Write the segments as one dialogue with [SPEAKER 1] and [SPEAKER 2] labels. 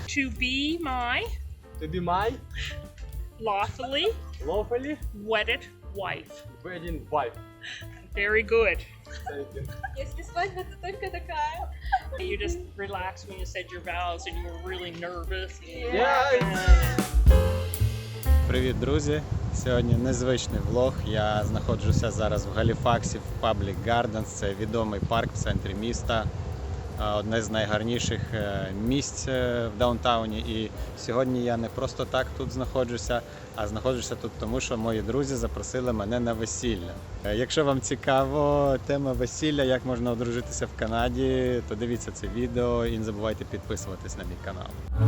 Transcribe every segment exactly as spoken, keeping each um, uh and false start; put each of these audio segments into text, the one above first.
[SPEAKER 1] To be my
[SPEAKER 2] To be my
[SPEAKER 1] lawfully
[SPEAKER 2] lawfully
[SPEAKER 1] wedded wife.
[SPEAKER 2] wedding wife.
[SPEAKER 1] Very good.
[SPEAKER 2] Thank you.
[SPEAKER 3] Если свадьба, то только такая.
[SPEAKER 1] You just relaxed when you said your vows and you were really nervous.
[SPEAKER 2] Yeah.
[SPEAKER 4] Привіт, друзі! Сьогодні незвичний влог. Я знаходжуся зараз в Галіфаксі в Public Gardens. Це відомий парк в центрі міста. Одне з найгарніших місць в даунтауні. І сьогодні я не просто так тут знаходжуся, а знаходжуся тут тому, що мої друзі запросили мене на весілля. Якщо вам цікаво тема весілля, як можна одружитися в Канаді, то дивіться це відео і не забувайте підписуватись на мій канал.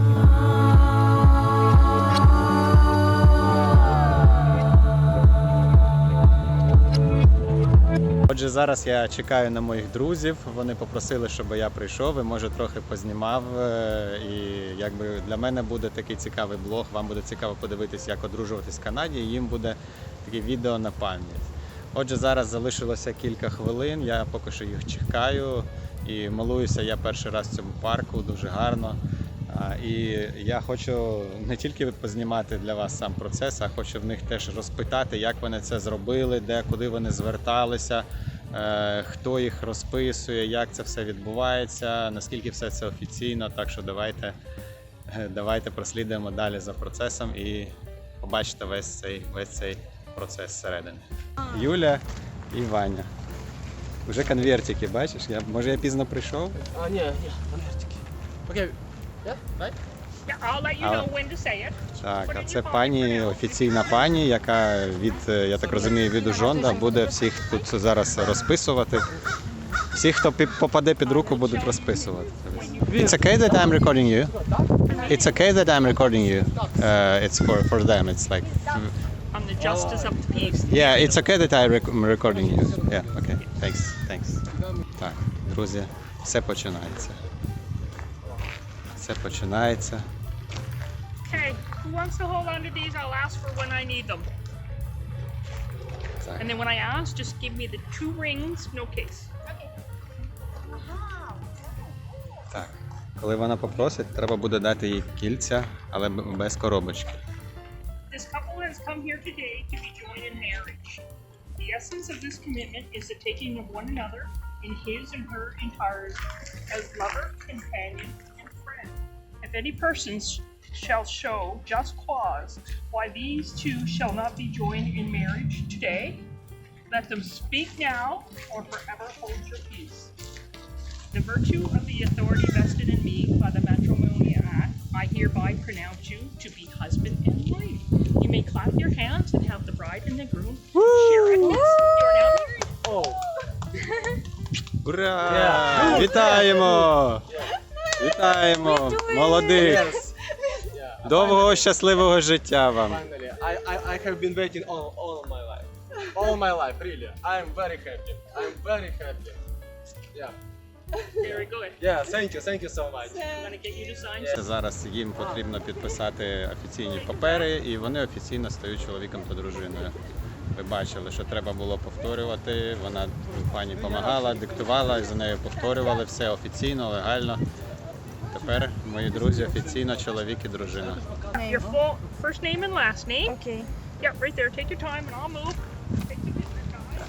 [SPEAKER 4] Отже, зараз я чекаю на моїх друзів, вони попросили, щоб я прийшов і, може, трохи познімав. І якби для мене буде такий цікавий блог, вам буде цікаво подивитись, як одружуватись в Канаді, і їм буде таке відео на пам'ять. Отже, зараз залишилося кілька хвилин, я поки що їх чекаю і милуюся я перший раз в цьому парку, дуже гарно. І я хочу не тільки познімати для вас сам процес, а хочу в них теж розпитати, як вони це зробили, де, куди вони зверталися, хто їх розписує, як це все відбувається, наскільки все це офіційно. Так що давайте, давайте прослідуємо далі за процесом і побачите весь цей, весь цей процес зсередини. Юля і Ваня. Вже конвертики, бачиш? Я, може я пізно прийшов?
[SPEAKER 2] А, ні, ні, конвертики. Окей. Yeah, right?
[SPEAKER 1] Yeah, I'll let you know when to say it.
[SPEAKER 4] Так, а це пані, офіційна пані, яка від, я так розумію, від Ужонда буде всіх тут зараз розписувати. Всі, хто попаде під руку, будуть розписувати. It's okay that I'm recording you. It's okay that I'm recording you. Uh, it's for, for them. It's like...
[SPEAKER 1] I'm the justice of the peace.
[SPEAKER 4] Yeah, it's okay that I'm recording you. Yeah, okay. Thanks, thanks. Так, друзі, все починається. Все починається.
[SPEAKER 1] Okay, who wants to hold on to these? I'll ask for when I need them.
[SPEAKER 4] Так.
[SPEAKER 1] And then when I ask, just give me the two rings, no case.
[SPEAKER 4] Так. Коли вона попросить, треба буде дати їй кільця, але без коробочки.
[SPEAKER 1] This couple has come here today to be joined in marriage. The essence of this commitment is the taking of one another in his and her entirety as lover, companion, and friend. If any persons shall show just cause why these two shall not be joined in marriage today, let them speak now or forever hold your peace. The virtue of the authority vested in me by the Matrimonial Act, I hereby pronounce you to be husband and wife. You may clap your hands and have the bride and the groom share a kiss. You are now married.
[SPEAKER 2] Oh.
[SPEAKER 4] Ура!
[SPEAKER 2] Yeah.
[SPEAKER 4] Вітаємо! Вітаємо! Молодих!
[SPEAKER 2] Yes. Yeah.
[SPEAKER 4] Довгого щасливого життя вам!
[SPEAKER 2] Finally, I, I, I have been waiting all, all my life. All my life, really. I am very happy. I am very happy. Yeah.
[SPEAKER 1] Very good.
[SPEAKER 2] Yeah, thank you, thank you so much.
[SPEAKER 1] I'm going to get you to sign.
[SPEAKER 2] Yeah.
[SPEAKER 4] Зараз їм потрібно підписати офіційні папери, і вони офіційно стають чоловіком та дружиною. Ви бачили, що треба було повторювати, вона пані допомагала, диктувала, і за нею повторювали все офіційно, легально. Тепер мої друзі офіційно чоловік і дружина.
[SPEAKER 1] Your full first name and last name.
[SPEAKER 3] Okay.
[SPEAKER 1] Yeah, right there. Take your time and I'll move. Take the time.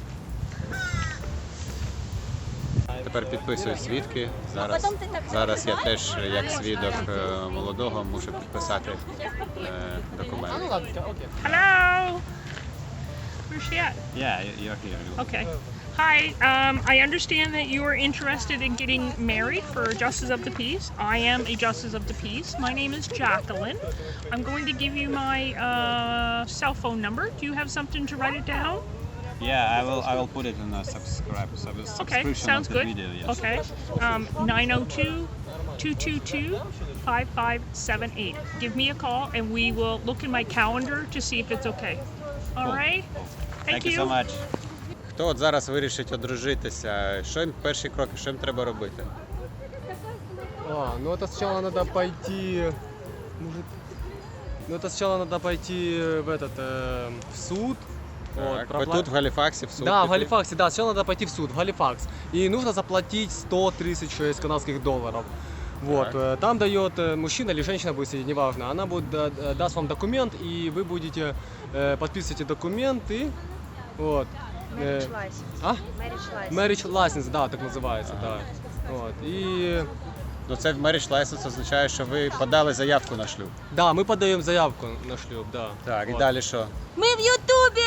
[SPEAKER 4] Тепер підписую свідки. Зараз, зараз я теж, як свідок е, молодого, мушу підписати е, документи.
[SPEAKER 1] Hello. Where's she at?
[SPEAKER 4] Yeah, you're here.
[SPEAKER 1] Okay. Hi. Um, I understand that you are interested in getting married for Justice of the Peace. I am a Justice of the Peace. My name is Jacqueline. I'm going to give you my uh, cell phone number. Do you have something to write it down?
[SPEAKER 4] Yeah, I will. I will put it in a subscribe. subscription
[SPEAKER 1] Okay, sounds
[SPEAKER 4] of the
[SPEAKER 1] good.
[SPEAKER 4] video. Yes.
[SPEAKER 1] Okay. Um, nine oh two, two two two, five five seven eight. Give me a call and we will look in my calendar to see if it's okay. All
[SPEAKER 4] Cool.
[SPEAKER 1] right? Thank,
[SPEAKER 4] Thank you so much. Хто от зараз вирішить одружитися? Що їм перші кроки? Що їм треба робити?
[SPEAKER 2] А, ну это сначала надо пойти, может, ну это сначала надо пойти в этот, э, в суд.
[SPEAKER 4] Так,
[SPEAKER 2] Вот,
[SPEAKER 4] ви тут в Галіфаксі, в суд?
[SPEAKER 2] Да, в
[SPEAKER 4] піти?
[SPEAKER 2] Галифаксе, да, сначала надо пойти в суд, в Галифакс. И нужно заплатить сто тридцать шесть канадских долларов. Вот,
[SPEAKER 4] Так.
[SPEAKER 2] э, там дает э, мужчина или женщина, будет сидеть, неважно, она будет, да- да- даст вам документ, и вы будете э, подписываете документы, вот. Э,
[SPEAKER 5] Marriage license.
[SPEAKER 2] а?
[SPEAKER 5] Marriage license.
[SPEAKER 2] Marriage license, да, так называется, да. Вот, и
[SPEAKER 4] Ну це marriage license означає, що ви подали заявку на шлюб.
[SPEAKER 2] да, мы подаем заявку на шлюб, да.
[SPEAKER 4] Так, і
[SPEAKER 2] Вот.
[SPEAKER 4] далі що?
[SPEAKER 3] Ми в Ютубі!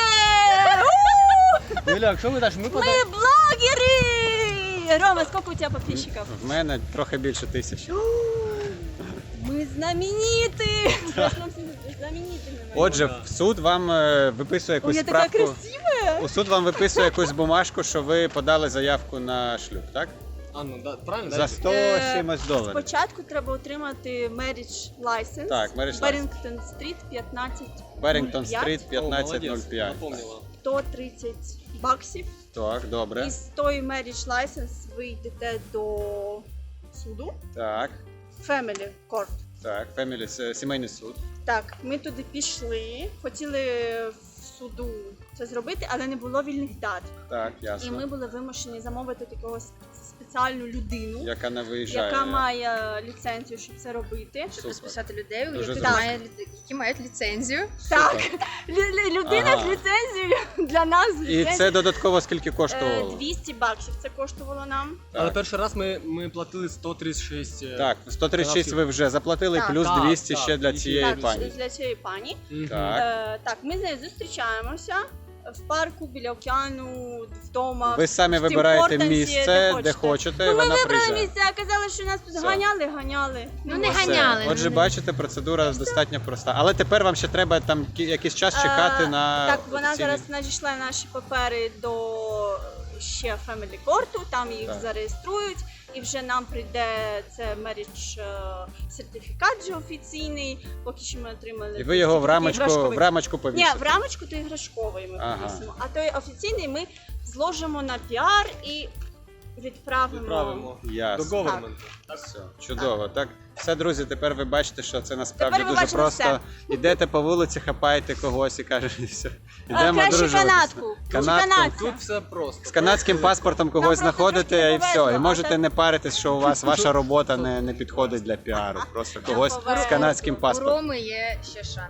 [SPEAKER 2] Ну, Ляк, что вы дальше? Мы подаем...
[SPEAKER 3] Ми блогери! Рома, сколько у тебе подписчиков?
[SPEAKER 4] В мене трохи більше тисячі.
[SPEAKER 3] Ми знамениті! Знаменитими.
[SPEAKER 4] Отже, в суд вам е, виписує
[SPEAKER 3] Ой,
[SPEAKER 4] якусь
[SPEAKER 3] я така
[SPEAKER 4] справку.
[SPEAKER 3] красива!
[SPEAKER 4] У суд вам виписує якусь бумажку, що ви подали заявку на шлюб, так?
[SPEAKER 2] А, ну, да, правильно,
[SPEAKER 4] За
[SPEAKER 2] да?
[SPEAKER 4] сто
[SPEAKER 3] Е,
[SPEAKER 4] чимось доларів.
[SPEAKER 3] Спочатку треба отримати marriage license.
[SPEAKER 4] Так, marriage license.
[SPEAKER 3] Barrington Street п'ятнадцять.
[SPEAKER 4] Берінгтон
[SPEAKER 3] п'ять.
[SPEAKER 4] стріт
[SPEAKER 2] О,
[SPEAKER 4] п'ятнадцять нуль
[SPEAKER 2] молодец,
[SPEAKER 4] п'ять.
[SPEAKER 2] напомнила.
[SPEAKER 3] сто тридцять баксів.
[SPEAKER 4] Так, добре.
[SPEAKER 3] І з тої marriage license ви йдете до суду.
[SPEAKER 4] Так,
[SPEAKER 3] Family Court.
[SPEAKER 4] так, Family, це сімейний суд.
[SPEAKER 3] Так, ми туди пішли, хотіли в суду це зробити, але не було вільних дат.
[SPEAKER 4] Так,
[SPEAKER 3] І
[SPEAKER 4] ясно.
[SPEAKER 3] ми були вимушені замовити такого с- спеціальну людину,
[SPEAKER 4] Яка не виїжджає.
[SPEAKER 3] яка має ліцензію, щоб це робити.
[SPEAKER 4] Супер.
[SPEAKER 5] Розписати людей,
[SPEAKER 4] Дуже
[SPEAKER 5] які,
[SPEAKER 4] зручно.
[SPEAKER 5] має, які мають ліцензію.
[SPEAKER 3] Так, лю- лю- людина
[SPEAKER 4] Ага.
[SPEAKER 3] з ліцензією для нас з
[SPEAKER 4] І
[SPEAKER 3] ліцензією.
[SPEAKER 4] це додатково скільки
[SPEAKER 3] Е,
[SPEAKER 4] коштувало?
[SPEAKER 3] двісті баксів це коштувало нам.
[SPEAKER 2] Але
[SPEAKER 4] Так,
[SPEAKER 2] перший раз ми, ми платили сто тридцять шість. е,
[SPEAKER 4] так, сто тридцять шість ви вже заплатили,
[SPEAKER 3] Так.
[SPEAKER 4] плюс
[SPEAKER 2] Так,
[SPEAKER 4] двісті
[SPEAKER 2] так,
[SPEAKER 4] ще для
[SPEAKER 2] і-
[SPEAKER 4] цієї
[SPEAKER 3] Так,
[SPEAKER 4] пані.
[SPEAKER 3] для цієї пані.
[SPEAKER 2] мгм.
[SPEAKER 4] Так.
[SPEAKER 3] Е, так, ми з нею зустрічаємося в парку біля океану, вдома.
[SPEAKER 4] Ви самі
[SPEAKER 3] в Тім
[SPEAKER 4] вибираєте
[SPEAKER 3] Хортонсі,
[SPEAKER 4] місце, де хочете, і
[SPEAKER 3] Ну, ми
[SPEAKER 4] вона
[SPEAKER 3] вибрали
[SPEAKER 4] приїжджає.
[SPEAKER 3] місце, а казали, що нас тут
[SPEAKER 4] Все.
[SPEAKER 3] ганяли, ганяли.
[SPEAKER 5] Ну, не
[SPEAKER 3] ось.
[SPEAKER 4] Все.
[SPEAKER 5] ганяли.
[SPEAKER 4] Отже,
[SPEAKER 5] ну,
[SPEAKER 4] бачите, процедура достатньо проста. Але тепер вам ще треба там кі- якийсь час чекати
[SPEAKER 3] Е,
[SPEAKER 4] на
[SPEAKER 3] Так, вона
[SPEAKER 4] офіційний-
[SPEAKER 3] зараз надійшла наші папери до ще Family Court, там їх
[SPEAKER 4] Так.
[SPEAKER 3] зареєструють, і вже нам прийде це marriage е, сертифікат вже офіційний, поки що ми отримали.
[SPEAKER 4] І ви його в
[SPEAKER 3] такий
[SPEAKER 4] рамочку,
[SPEAKER 3] іграшковий.
[SPEAKER 4] в рамочку
[SPEAKER 3] Ні,
[SPEAKER 4] повісите.
[SPEAKER 3] в рамочку то іграшковий ми
[SPEAKER 4] Ага.
[SPEAKER 3] повісимо, а той офіційний ми зложимо на піар і відправимо.
[SPEAKER 2] Відправимо до
[SPEAKER 4] Ясно.
[SPEAKER 2] government.
[SPEAKER 4] Все, чудово. Так, все, друзі, тепер ви бачите, що це насправді
[SPEAKER 3] Тепер ви
[SPEAKER 4] дуже
[SPEAKER 3] бачите
[SPEAKER 4] просто.
[SPEAKER 3] все.
[SPEAKER 4] Ідете по вулиці, хапаєте когось і кажете, все,
[SPEAKER 3] А,
[SPEAKER 4] ідемо
[SPEAKER 3] краще
[SPEAKER 4] дружитися.
[SPEAKER 3] канадку. Краще
[SPEAKER 4] Канадку.
[SPEAKER 3] канадця.
[SPEAKER 2] Тут все просто.
[SPEAKER 4] З канадським паспортом когось
[SPEAKER 3] просто
[SPEAKER 4] знаходите
[SPEAKER 3] трошки
[SPEAKER 4] і
[SPEAKER 3] не
[SPEAKER 4] все.
[SPEAKER 3] повезло,
[SPEAKER 4] І
[SPEAKER 3] а
[SPEAKER 4] можете
[SPEAKER 3] так-
[SPEAKER 4] не паритись, що у вас ваша робота не, не підходить для піару. Просто когось з
[SPEAKER 3] повезло.
[SPEAKER 4] канадським
[SPEAKER 5] У
[SPEAKER 4] паспортом.
[SPEAKER 5] Роми є ще шанс.